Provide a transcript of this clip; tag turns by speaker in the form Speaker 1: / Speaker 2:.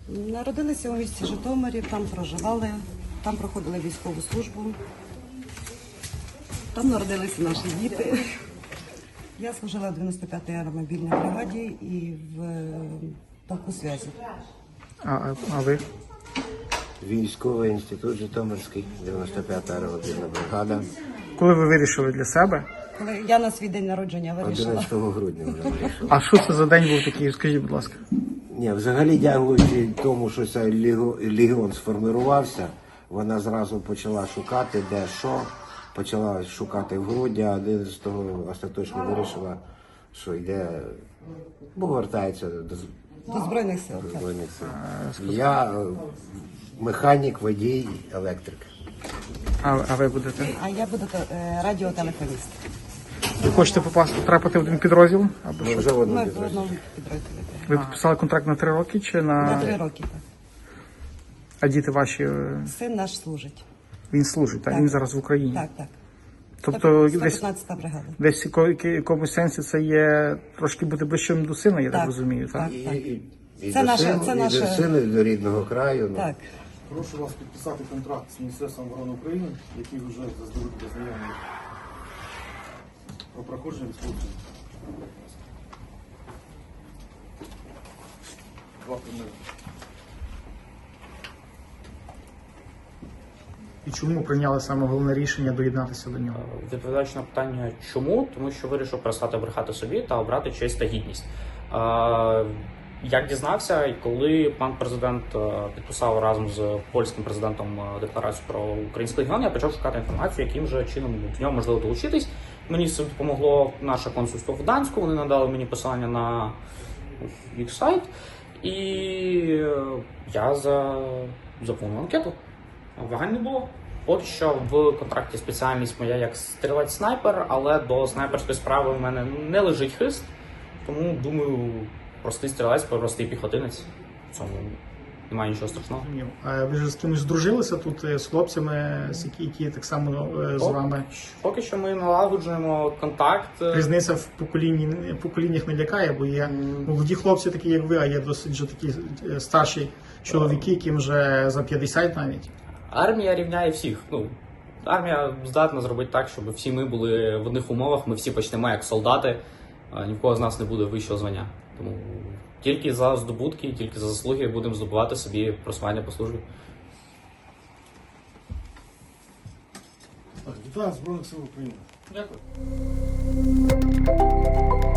Speaker 1: Народилися у місті Житомирі, там проживали, там проходили військову службу. Там народилися наші діти. Я служила в 95-й аеромобільній бригаді і в полку зв'язі.
Speaker 2: А ви?
Speaker 3: Військовий інститут Житомирський, 95-та аеромобільна бригада.
Speaker 2: Коли ви вирішили для себе?
Speaker 1: Коли я на свій день народження вирішила.
Speaker 3: 11 грудня вже вирішив.
Speaker 2: А що це за день був такий? Скажіть, будь ласка.
Speaker 3: Ні, взагалі, дякуючи тому, що цей легіон сформирувався, вона зразу почала шукати, де що. Почала шукати в грудні, а 11-го остаточно вирішила, що йде, бо вертається
Speaker 1: До Збройних сил.
Speaker 3: до
Speaker 1: Так.
Speaker 3: Збройних сил. Я механік, водій, електрик.
Speaker 2: А ви будете?
Speaker 1: А я буду радіотелефоніст.
Speaker 2: Ви хочете потрапити в один підрозділ? Або
Speaker 3: Ми
Speaker 2: що?
Speaker 3: вже в
Speaker 1: Ми
Speaker 3: одному
Speaker 1: в
Speaker 3: підрозділі.
Speaker 1: одному підрозділі.
Speaker 2: Ви підписали контракт на 3 роки чи
Speaker 1: На 3 роки. Так.
Speaker 2: А діти ваші,
Speaker 1: Син наш служить.
Speaker 2: він служить, а
Speaker 1: Так.
Speaker 2: він зараз в Україні?
Speaker 1: Так, так.
Speaker 2: Тобто десь
Speaker 1: 115-та бригада.
Speaker 2: в якомусь сенсі це є трошки бути ближчим до сина, я так
Speaker 1: Так.
Speaker 2: розумію, так?
Speaker 1: Так.
Speaker 3: І
Speaker 1: Це
Speaker 3: до
Speaker 1: наше-
Speaker 3: сину,
Speaker 1: це
Speaker 3: і
Speaker 1: наше-
Speaker 3: до сину, і до рідного краю. Ну.
Speaker 1: Так.
Speaker 4: Прошу вас підписати контракт з Міністерством оборони України, який вже заздалегідь ознайомлений про проходження військової. Два примери.
Speaker 2: І чому прийняли саме головне рішення доєднатися до нього?
Speaker 5: Відповідаючи на питання, чому? Тому що вирішив перестати брехати собі та обрати честь та гідність. Як дізнався, і коли пан президент підписав разом з польським президентом декларацію про український регіон, я почав шукати інформацію, яким же чином до нього можливо долучитись. Мені з цим допомогло наше консульство в Гданську, вони надали мені посилання на їх сайт, і я заповнив анкету. Вагань не було. Поки що в контракті спеціальність моя як стрілець-снайпер, але до снайперської справи в мене не лежить хист, тому думаю, простий стрілець, простий піхотинець. В цьому немає нічого страшного.
Speaker 2: А ви ж з кимось здружилися тут з хлопцями, які так само з вами?
Speaker 5: Поки що ми налагоджуємо контакт.
Speaker 2: Різниця в поколіннях не лякає, бо є молоді хлопці, такі як ви, а є досить вже такі старші чоловіки, яким вже за 50 навіть.
Speaker 5: Армія рівняє всіх. Армія здатна зробити так, щоб всі ми були в одних умовах, ми всі почнемо як солдати, ні в кого з нас не буде вищого звання. Тому тільки за здобутки, тільки за заслуги будемо здобувати собі просування по службі.
Speaker 4: Так, вітаю Збройних сил України.
Speaker 5: Дякую.